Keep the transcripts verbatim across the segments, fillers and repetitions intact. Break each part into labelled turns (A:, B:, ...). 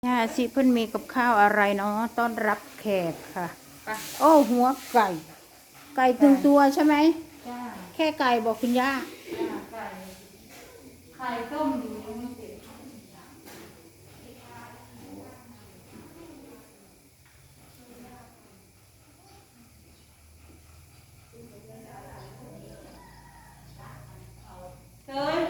A: ย่าสิเพิ่นมีกับข้าวอะไรเนาะต้อนรับแขกค่ะโอ้หัวไก่ ไก่ตึงตัวใช่ไหมจ้าแค่ไก่บอกคุณย่าจ้าไก่ไข่ต้มอยู่ยังไม่เสร็จเตย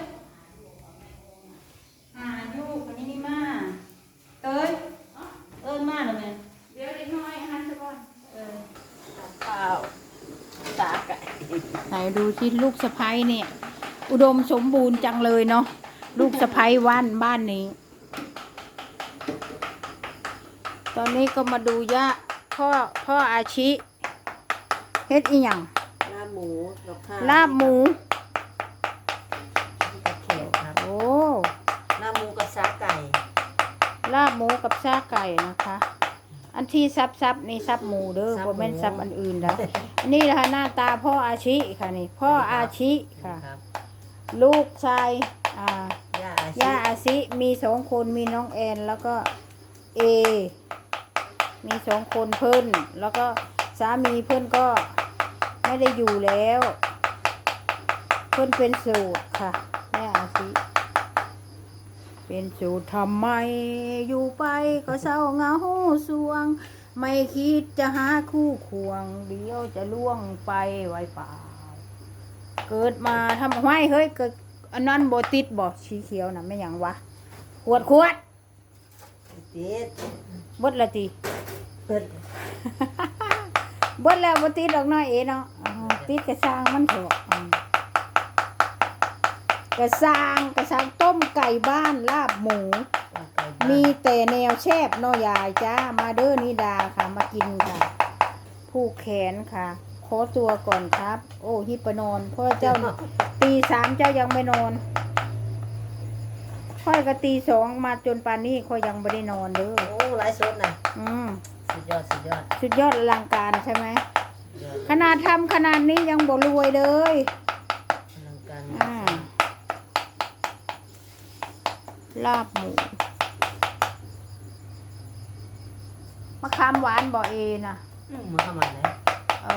A: หาอยู่คนนี้นี่มาเตยเอิ้นมาหรือไงเดี๋ยวเล็กน้อยหันซะก่อนเออเปล่าตาไก่ไหนดูที่ลูกสะใภ้เนี่ยอุดมสมบูรณ์จังเลยเนาะลูกสะใภ้ว่านบ้านนี้ตอนนี้ก็มาดูย่าพ่อพ่ออาชิเฮ็ดอีหยัง
B: ลาบหมูกับข้าว
A: ลาบหมู
B: กับแขกครับ
A: โอ้
B: ลาบหมูกับซาไก่
A: ลาบหมูกับซาไก่นะคะอันที่ซับซับนี่ซับหมูเด้อบ่แม่นซับอันอื่นนะนี่แหละค่ะหน้าตาพ่ออาชิค่ะนี่พ่ออาชิค่ะลูกชายอ่าย่าอาชิมีสองคนมีน้องแอนแล้วก็เอมีสองคนเพิ่นแล้วก็สามีเพิ่นก็ไม่ได้อยู่แล้วเพิ่นเป็นสูตรค่ะแม่อาชิเป็นสูตรทำไมอยู่ไปก็เศร้าเหงาสวงไม่คิดจะหาคู่ควงเดี๋ยวจะล่วงไปไว้เปล่าเกิดมาทำไมเฮ้ยเกิดอันนั้นโบติดบอกสีเขียวนะไม่อย่างวะขวดขวด
B: ติด
A: บดละตี
B: เปิด
A: บดแล้วโบติดดอกน้อยเอ๋เนาะติดกระซังมันเถอะกระซังกระซังต้มไก่บ้านลาบหมูมีแต่แนวแชบเนาะยายจ้ามาเด้อนิดาค่ะมากินค่ะผู้แขนค่ะขอตัวก่อนครับโอ้ฮิปนอนเพราะเจ้าตีสามเจ้ายังไม่นอนค่อยก็ตีสองมาจนป่านนี้ค่อยยังไม่ได้นอนเด้อ
B: โอ้ไลฟ์สดนะ
A: อืม
B: สุดยอดสุดยอด
A: สุดยอดอลังการใช่ไหมขนาดทำขนาดนี้ยังบ่รวยเลย
B: อลังการ
A: อ่าลาบหมูมะขามหวานบ่เอนะ
B: มาทำอะไร
A: เอา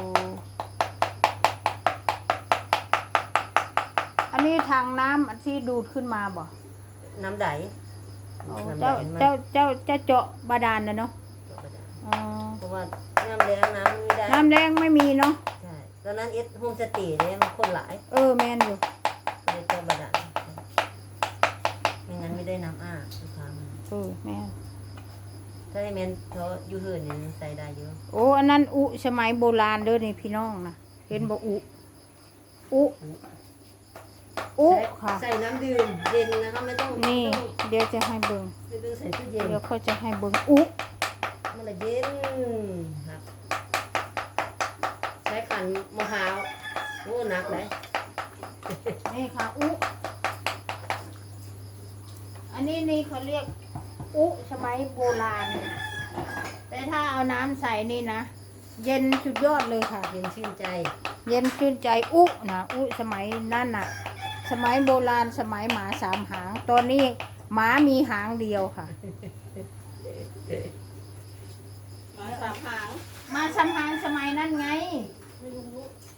A: อันนี้ทางน้ำอันที่ดูดขึ้นมาบ่
B: น้ำใด
A: เจ้าเจ้าเจ้าเจ้าเจาะบาดาลนะเนาะ
B: เพราะว่าน้ำแรงน้ำไม่ได้
A: น้ำแรงไม่มีเนาะ
B: ใช่ตอนนั้นเอสโฮมสเตย์เนี่ยมันคนหลาย
A: เออแมนอยู่
B: เลยเจาะบาดาลไม่งั้นไม่ได้น้ำอ้าทุกครั้ง
A: เออแมน
B: ถ้าได้แมนเขาอยู่เหินเนี่ยใส่ได้เยอะ
A: โอ้อันนั้นอุสมัยโบราณเด้อนี่พี่น้องนะเห็นบ่อุอุอุค่ะ
B: ใส่น้ำดื่มเย็นนะคะไม่ต้อง
A: นี่เดี๋ยวจะให้เบิ่ง
B: ไม่ต้องใส่ตู้เย็น
A: เดี๋ยวเขาจะให้เบิ่งอุ
B: มันละเย็นครับใช้ขันมะพร้าวโอ้หนักเลย
A: นี่ค่ะอุอันนี้นี่เขาเรียกอุสมัยโบราณแต่ถ้าเอาน้ำใส่นี่นะเย็นสุดยอดเลยค่ะ
B: เย็นชื่นใจ
A: เย็นชื่นใจอุนะอุสมัยนั่นน่ะสมัยโบราณสมัยหมาสามหางตอนนี้หมามีหางเดียวค่ะ
B: หมาสามหาง
A: มาสามหางสมัยนั้นไงไม่รู้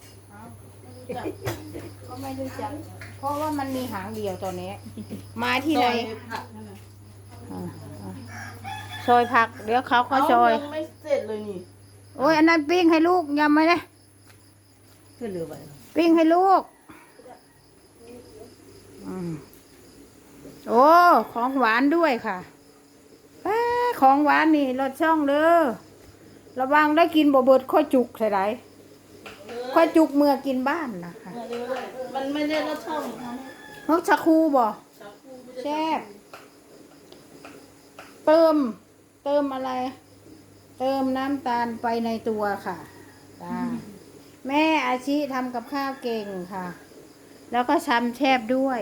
A: ก็ไม่รู้จักเพราะว่ามันมีหางเดียวตอนนี้มาที่ไหนซอยผักเดี๋ยวเขาก็ซอย
B: ไม่เสร็จเลยนี่
A: โอ้ยอันนั้นปิ้งให้ลูกยำไหมเนี่ย
B: ขึ้นเรือไป
A: ปิ้งให้ลูกโอ้ของหวานด้วยค่ะของหวานนี่รสช่องเด้อระวังได้กินบ่เบิดข้อจุกใส่ไรข้อจุกเมื่อกินบ้านนะคะ
B: มันไม่ได้รสช่อง
A: นกชะคูบ่แซ่บเติมเติมอะไรเติมน้ำตาลไปในตัวค่ะแม่อาชีทำกับข้าวเก่งค่ะแล้วก็ชำแชบด้วย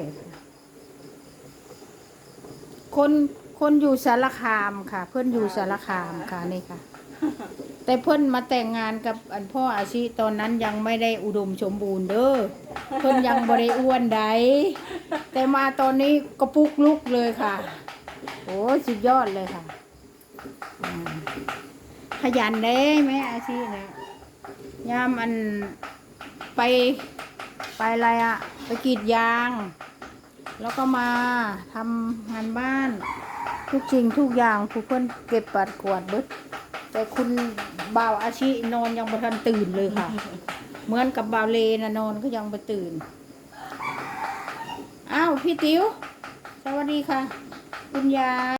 A: คนคนอยู่สารคามค่ะเพื่อนอยู่สารคามค่ะนี่ค่ะแต่เพื่อนมาแต่งงานกับอันพ่ออาชีตอนนั้นยังไม่ได้อุดมสมบูรณ์เด้อเพื่อนยังบริอ้วนใดแต่มาตอนนี้กระปุกลุกเลยค่ะโอ้สุดยอดเลยค่ะอ่าขยันเด้แม่อาชีพนะยามอันไปไปอะไรอะไปกรีดยาง แล้วก็มาทำงานบ้าน ทุกสิ่งทุกอย่างผู้เพิ่นเก็บปัดกวาดเบิดแต่คุณบ่าวอาชีนอนยังบ่ทันตื่นเลยค่ะ เหมือนกับบ่าวเลนะนอนก็ยังบ่ตื่นอ้าวพี่ติ๋วสวัสดีค่ะ คุณยาย